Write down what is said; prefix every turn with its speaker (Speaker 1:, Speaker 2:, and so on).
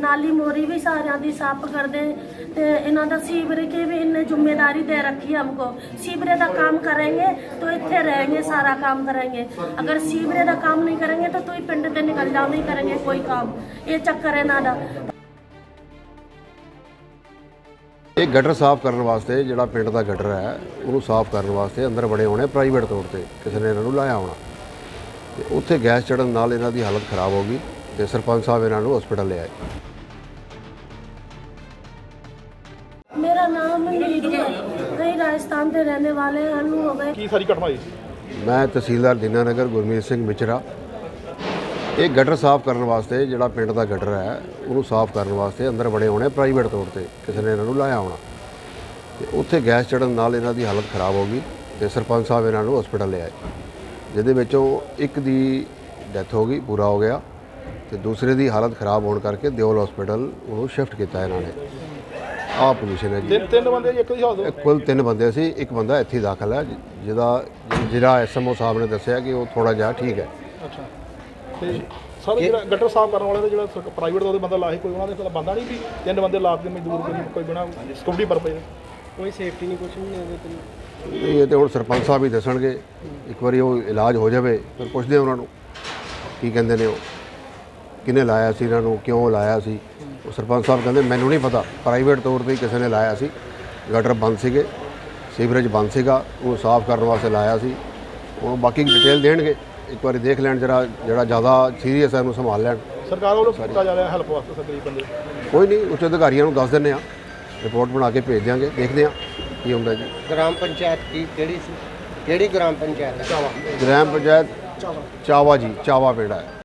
Speaker 1: नाली मोरी भी सारिਆਂ ਦੀ ਸਾਫ਼ ਕਰਦੇ ਤੇ ਇਹਨਾਂ ਦਾ ਸੀਵਰੇ की भी इन्हें जिम्मेदारी दे रखी है हमको। सीवरे का काम करेंगे तो इतने रहेंगे, सारा काम करेंगे। अगर सीवरे का काम नहीं करेंगे तो तू ही पिंड से निकल जाओ, नहीं करेंगे कोई काम। ये चक्कर है ना दा।
Speaker 2: ਇਹ ਗਟਰ ਸਾਫ਼ ਕਰਨ ਵਾਸਤੇ ਜਿਹੜਾ ਪਿੰਡ ਦਾ ਗਟਰ ਹੈ ਉਹਨੂੰ ਸਾਫ਼ ਕਰਨ ਵਾਸਤੇ ਅੰਦਰ ਬੜੇ ਹੋਣੇ ਪ੍ਰਾਈਵੇਟ ਤੌਰ ਤੇ ਕਿਸੇ ਨੇ ਇਹਨਾਂ ਨੂੰ ਲਾਇਆ ਹੋਣਾ ਤੇ ਉੱਥੇ ਗੈਸ ਚੜਨ ਨਾਲ ਇਹਨਾਂ ਦੀ ਹਾਲਤ ਖਰਾਬ ਹੋ ਗਈ ਤੇ ਸਰਪੰਚ ਸਾਹਿਬ ਇਹਨਾਂ ਨੂੰ ਹਸਪੀਟਲ ਲੈ ਆਏ।
Speaker 1: मेरा नाम नीरू है, कई राजस्थान के रहने वाले हैं। अनु हो गए।
Speaker 3: ਕੀ ਸਾਰੀ ਘਟਨਾ ਹੋਈ ਸੀ?
Speaker 2: ਮੈਂ ਤਹਿਸੀਲਦਾਰ ਦੀਨਾਨਗਰ ਗੁਰਮੀਤ ਸਿੰਘ ਮਿਚਰਾ। ਇਹ ਗਟਰ ਸਾਫ਼ ਕਰਨ ਵਾਸਤੇ ਜਿਹੜਾ ਪਿੰਡ ਦਾ ਗਟਰ ਹੈ ਉਹਨੂੰ ਸਾਫ਼ ਕਰਨ ਵਾਸਤੇ ਅੰਦਰ ਬੜੇ ਹੋਣੇ ਪ੍ਰਾਈਵੇਟ ਤੌਰ ਤੇ ਕਿਸੇ ਨੇ ਇਹਨਾਂ ਨੂੰ ਲਾਇਆ ਹੋਣਾ ਤੇ ਉੱਥੇ ਗੈਸ ਚੜਨ ਨਾਲ ਇਹਨਾਂ ਦੀ ਹਾਲਤ ਖਰਾਬ ਹੋ ਗਈ ਤੇ ਸਰਪੰਚ ਸਾਹਿਬ ਇਹਨਾਂ ਨੂੰ ਹਸਪੀਟਲ ਲੈ ਆਏ, ਜਿਹਦੇ ਵਿੱਚੋਂ ਇੱਕ ਦੀ ਡੈਥ ਹੋ ਗਈ, ਪੂਰਾ ਹੋ ਗਿਆ ਤੇ ਦੂਸਰੇ ਦੀ ਹਾਲਤ ਖਰਾਬ ਹੋਣ ਕਰਕੇ ਦਿਓਲ ਹਸਪੀਟਲ ਉਹਨੂੰ ਸ਼ਿਫਟ ਕੀਤਾ ਇਹਨਾਂ ਨੇ। ਆਹ ਪੋਜੀਸ਼ਨ ਹੈ ਜੀ।
Speaker 3: ਤਿੰਨ ਬੰਦੇ ਇੱਕ ਦੀ ਹਾਲਤ?
Speaker 2: ਕੁੱਲ 3 ਬੰਦੇ ਸੀ, ਇੱਕ ਬੰਦਾ ਇੱਥੇ ਦਾਖਲ ਹੈ ਜਿਹੜਾ ਐਸਐਮਓ ਸਾਹਿਬ ਨੇ ਦੱਸਿਆ ਕਿ ਉਹ ਥੋੜਾ ਜਿਹਾ ਠੀਕ ਹੈ।
Speaker 3: ਅੱਛਾ, ਤੇ ਸਰ ਜਿਹੜਾ ਗਟਰ ਸਾਫ਼ ਕਰਨ ਵਾਲੇ ਦਾ ਜਿਹੜਾ ਪ੍ਰਾਈਵੇਟ ਦਾ ਉਹਦੇ ਬੰਦਾ ਲਾਹੇ, ਕੋਈ ਉਹਨਾਂ ਦੇ ਬੰਦਾ ਨਹੀਂ ਵੀ 3 ਬੰਦੇ ਲਾ ਕੇ ਮਜ਼ਦੂਰ ਕੋਈ ਬਿਨਾਂ ਸਿਕਿਉਰਿਟੀ ਪਰਪਸ ਕੋਈ ਸੇਫਟੀ ਨਹੀਂ, ਕੁਛ ਨਹੀਂ ਉਹਦੇ ਤੇ।
Speaker 2: ਇਹ ਤੇ ਹੁਣ ਸਰਪੰਚ ਸਾਹਿਬ ਹੀ ਦੱਸਣਗੇ। ਇੱਕ ਵਾਰੀ ਉਹ ਇਲਾਜ ਹੋ ਜਾਵੇ ਫਿਰ ਪੁੱਛਦੇ ਉਹਨਾਂ ਨੂੰ ਕੀ ਕਹਿੰਦੇ ਨੇ, ਉਹ ਕਿਹਨੇ ਲਾਇਆ ਸੀ ਇਹਨਾਂ ਨੂੰ, ਕਿਉਂ ਲਾਇਆ ਸੀ। ਉਹ ਸਰਪੰਚ ਸਾਹਿਬ ਕਹਿੰਦੇ ਮੈਨੂੰ ਨਹੀਂ ਪਤਾ, ਪ੍ਰਾਈਵੇਟ ਤੌਰ 'ਤੇ ਹੀ ਕਿਸੇ ਨੇ ਲਾਇਆ ਸੀ। ਗਟਰ ਬੰਦ ਸੀਗੇ, ਸੀਵਰੇਜ ਬੰਦ ਸੀਗਾ, ਉਹ ਸਾਫ਼ ਕਰਨ ਵਾਸਤੇ ਲਾਇਆ ਸੀ। ਉਹ ਬਾਕੀ ਡਿਟੇਲ ਦੇਣਗੇ, ਇੱਕ ਵਾਰੀ ਦੇਖ ਲੈਣ ਜਿਹੜਾ ਜ਼ਿਆਦਾ ਸੀਰੀਅਸ ਹੈ ਉਹਨੂੰ ਸੰਭਾਲ ਲੈਣ।
Speaker 3: ਸਰਕਾਰ ਵੱਲੋਂ ਕੀਤਾ ਜਾ ਰਿਹਾ ਹੈਲਪ ਵਾਸਤੇ ਸਰ ਗਰੀਬ ਬੰਦੇ?
Speaker 2: ਕੋਈ ਨਹੀਂ, ਉੱਚ ਅਧਿਕਾਰੀਆਂ ਨੂੰ ਦੱਸ ਦਿੰਦੇ ਹਾਂ, ਰਿਪੋਰਟ ਬਣਾ ਕੇ ਭੇਜ ਦਿਆਂਗੇ, ਦੇਖਦੇ ਹਾਂ ਕੀ ਹੁੰਦਾ ਜੀ।
Speaker 4: ਗ੍ਰਾਮ ਪੰਚਾਇਤ ਕੀ ਕਿਹੜੀ ਸੀ? ਕਿਹੜੀ ਗ੍ਰਾਮ ਪੰਚਾਇਤ ਹੈ?
Speaker 2: ਗ੍ਰਾਮ ਪੰਚਾਇਤ ਚਾਵਾ ਜੀ, ਚਾਵਾ ਪਿੰਡ ਹੈ।